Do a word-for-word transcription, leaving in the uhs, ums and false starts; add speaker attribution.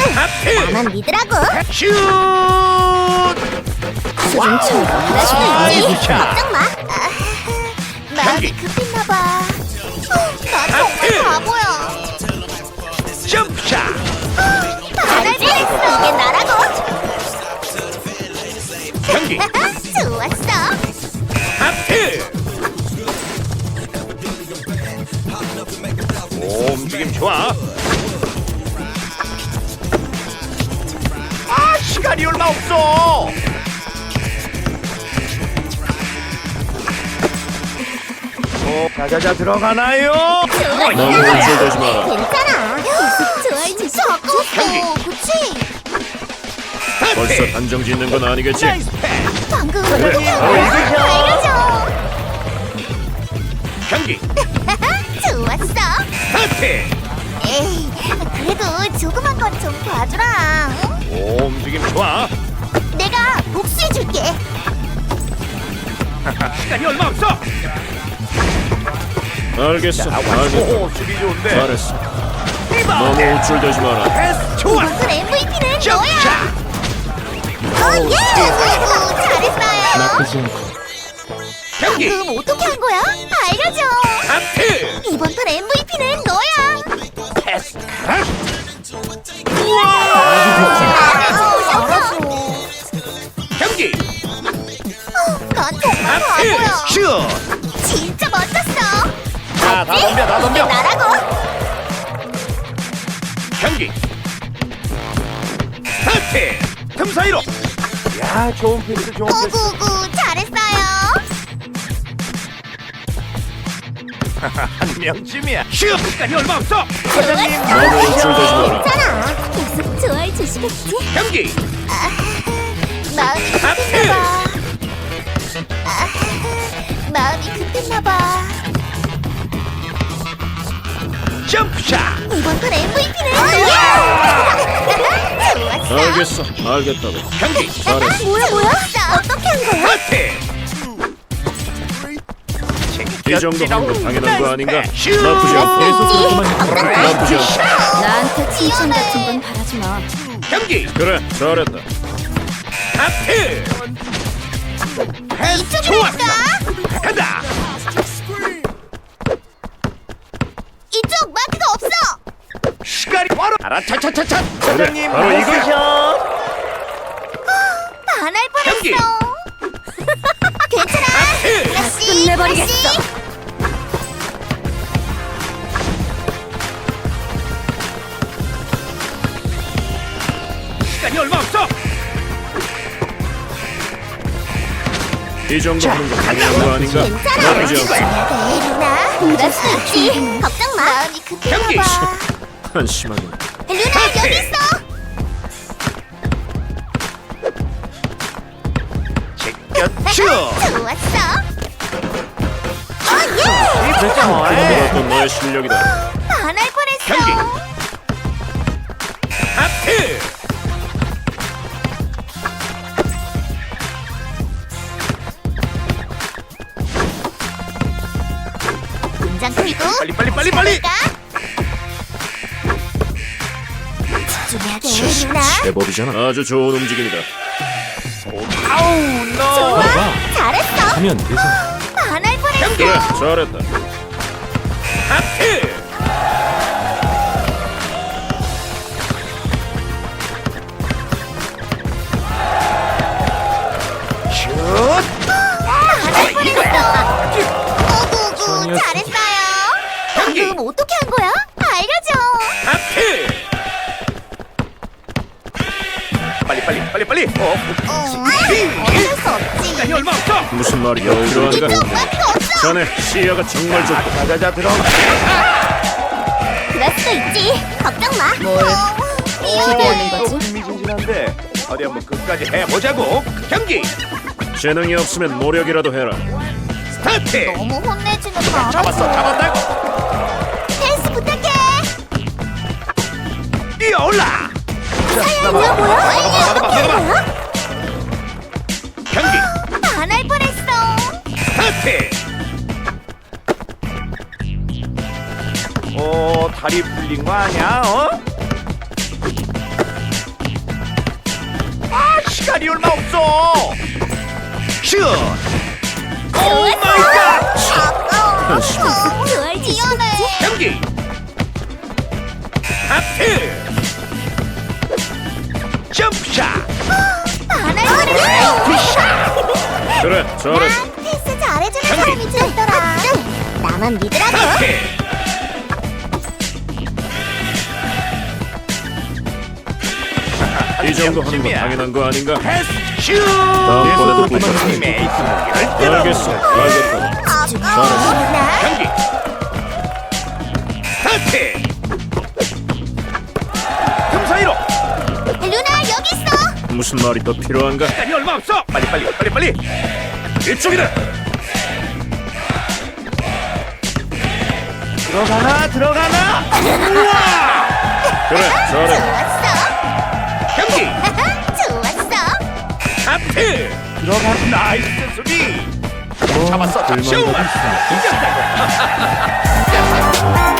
Speaker 1: 하트!
Speaker 2: 나만 믿으라고.
Speaker 1: 슛!
Speaker 2: 수준 차이가 날 수도
Speaker 1: 아이,
Speaker 2: 있지.
Speaker 1: 부차.
Speaker 2: 걱정 마. 아, 마음이
Speaker 1: 경기.
Speaker 2: 급했나봐. 나
Speaker 1: 하트!
Speaker 2: 정말 바보야.
Speaker 1: 점프샷!
Speaker 2: 잘할 뻔했어. 이게 나라고.
Speaker 1: 경기!
Speaker 2: 좋았어.
Speaker 1: 하트! 오, 움직임 좋아. 아, 시간이 얼마 없어. 오, 자자자 들어가나요?
Speaker 3: 너무 훔쳐대지 마라.
Speaker 2: 괜찮아. 좋아해 주시 아까웠어. 그치?
Speaker 3: 벌써 단정 짓는 건 아니겠지?
Speaker 1: 나이스 패스.
Speaker 2: 방금
Speaker 1: 그래,
Speaker 2: 어떻게 한
Speaker 1: 바로
Speaker 2: 거야?
Speaker 1: 이거죠.
Speaker 2: 알려줘.
Speaker 1: 경기!
Speaker 2: 좋았어.
Speaker 1: 하트!
Speaker 2: 에이, 그래도 조그만 건 좀 봐주라. 응?
Speaker 1: 오, 움직임 좋아.
Speaker 2: 내가 복수해줄게.
Speaker 1: 시간이 얼마 없어.
Speaker 3: 알겠어.
Speaker 1: 자,
Speaker 3: 알겠다.
Speaker 1: 완소. 수비 좋은데.
Speaker 3: 잘했어. 너무
Speaker 1: 리바운드.
Speaker 3: 우쭐대지 마라.
Speaker 1: 패스 좋아.
Speaker 2: 이번 엠브이피는 너야.
Speaker 1: 점프샷!
Speaker 2: 어, 예. 아이고, 잘했어요.
Speaker 3: 나쁘지 않고.
Speaker 1: 경기!
Speaker 2: 방금 어떻게 한 거야? 알려줘.
Speaker 1: 하트!
Speaker 2: 이번 판 엠브이피는 너야.
Speaker 1: 패스!
Speaker 2: 알아줘.
Speaker 1: 경기!
Speaker 2: 난 정말
Speaker 1: 하트!
Speaker 2: 바보야.
Speaker 1: 슛!
Speaker 2: 진짜 멋졌어.
Speaker 1: 자, 다 덤벼, 다 덤벼.
Speaker 2: 나라고.
Speaker 1: 경기! 하트! 틈 사이로! 야, 좋은 패스, 좋은 패스.
Speaker 2: 구구구 잘했어요.
Speaker 1: 한 명쯤이야. 슛! 시간이 얼마 없어. 사장님,
Speaker 3: 너무 우쭐대지 마라.
Speaker 2: 괜찮아. 계속 좋아해 주시겠지?
Speaker 1: 경기!
Speaker 2: 마음이 급했나봐. 아, 마음이 급했나봐.
Speaker 1: 점프샷!
Speaker 2: 이번 판 엠브이피는 너야. 좋았어.
Speaker 3: 알겠어. 알겠다고.
Speaker 1: 경기!
Speaker 3: 잘했어.
Speaker 2: 뭐야 뭐야? 어떻게 한 거야?
Speaker 1: 하트!
Speaker 3: 이 정도면 거 당연한 거 아닌가?
Speaker 1: 슛!
Speaker 3: 나쁘지 않고. 나쁘지 않고.
Speaker 2: 나한테 칭찬 같은 건 바라지 마.
Speaker 1: 경기!
Speaker 3: 그래, 잘했다.
Speaker 1: 하트! 패스
Speaker 2: 이쪽으로
Speaker 1: 좋았어!
Speaker 2: 할까?
Speaker 1: 간다!
Speaker 2: 이쪽 마크가 없어.
Speaker 1: 시간이 바로 알아차차차차! 사장님,
Speaker 3: 바로 이거야.
Speaker 2: 반할
Speaker 1: 경기!
Speaker 2: 뻔했어. 괜찮아.
Speaker 1: 하트!
Speaker 2: 다시
Speaker 4: 끝내버리겠어.
Speaker 2: 다시.
Speaker 1: 시간이 얼마 없어!
Speaker 3: 이 정도 하는 거 당연한 거 아닌가?
Speaker 2: 괜찮아.
Speaker 3: 나쁘지 않고.
Speaker 2: 네, 루나. 그럴 수 있지. 걱정 마. 마음이
Speaker 1: 경기!
Speaker 2: 급했나 봐.
Speaker 3: 한심하게.
Speaker 2: 루나 여기 있어.
Speaker 1: 제껴 슛!
Speaker 2: 좋았어. 어, 예.
Speaker 1: 이 진짜 뭐해?
Speaker 3: 그것도 너의 실력이다.
Speaker 2: 반할 뻔했어.
Speaker 1: 경기! 하트!
Speaker 2: 긴장 풀고.
Speaker 1: 빨리 빨리 빨리 빨리!
Speaker 2: 집중해야 돼, 루나.
Speaker 3: 제법이잖아. 아주 좋은 움직임이다.
Speaker 1: 아우 너!
Speaker 2: 좋아. 잘했어.
Speaker 3: 하면 되지.
Speaker 2: 반할 뻔했어.
Speaker 1: 경기!
Speaker 3: 그래, 잘했다.
Speaker 1: 하트! 슛!
Speaker 2: 반할 뻔했어. 오구구 잘했어요.
Speaker 1: 경기!
Speaker 2: 방금 어떻게 한 거야? 알려줘.
Speaker 1: 하트! 빨리 빨리 빨리 빨리! 어?
Speaker 2: 어, 어쩔 수 없지.
Speaker 1: 시간이 얼마 없어!
Speaker 3: 무슨 말이야? 필요한가?
Speaker 2: 이쪽 마크 없어.
Speaker 3: 자네 시야가 정말 좋다.
Speaker 1: 자자자 들어가!
Speaker 2: 그럴 수도 있지. 걱정 마. 뭘?
Speaker 4: 기대하는 거지?
Speaker 1: 흥미진진한데 어디 한번 끝까지 해보자고! 경기!
Speaker 3: 재능이 없으면 노력이라도 해라.
Speaker 1: 스타트!
Speaker 2: 너무 혼내지는 마.
Speaker 1: 잡았어 잡았다!
Speaker 2: 패스 부탁해.
Speaker 1: 뛰어올라!
Speaker 2: 뭐야 뭐야?
Speaker 1: 막아봐,
Speaker 2: 어떻게 한
Speaker 1: 막아봐.
Speaker 2: 거야?
Speaker 1: 경기!
Speaker 2: 반할 뻔했어.
Speaker 1: 스타트! 어 다리 풀린 거 아니야? 어? 시간이 얼마 없어. 슛. 오 마이 갓.
Speaker 2: 아까워.
Speaker 4: 좋아할
Speaker 2: 미안해.
Speaker 1: 경기. 하트. 점프샷.
Speaker 2: 반할 거리네.
Speaker 3: 그래, 잘했어.
Speaker 2: 난 패스 잘해주는 사람이 좋더라. 나만 믿으라고.
Speaker 1: 하트.
Speaker 3: 이 정도 하는 건 당연한 거 아닌가?
Speaker 1: 패스 슛.
Speaker 3: 다음번에도
Speaker 1: 팀의
Speaker 3: 부탁해.
Speaker 1: 이승기를
Speaker 3: 알겠어, 알겠다.
Speaker 2: 아까워. 나
Speaker 1: 경기. 스타트. 틈 사이로.
Speaker 2: 루나 여기 있어.
Speaker 3: 무슨 말이 더 필요한가?
Speaker 1: 시간이 얼마 없어. 빨리 빨리 빨리 빨리. 이쪽이다. 들어가나 들어가나. 우와.
Speaker 3: 그래, 잘해.
Speaker 2: 좋았어.
Speaker 1: 경기.
Speaker 2: 좋았어.
Speaker 1: 하트. 들어가. 나이스 수비. 잡았어.
Speaker 3: 불만
Speaker 1: 슛.
Speaker 3: 가고 있어.
Speaker 1: 이겼다고.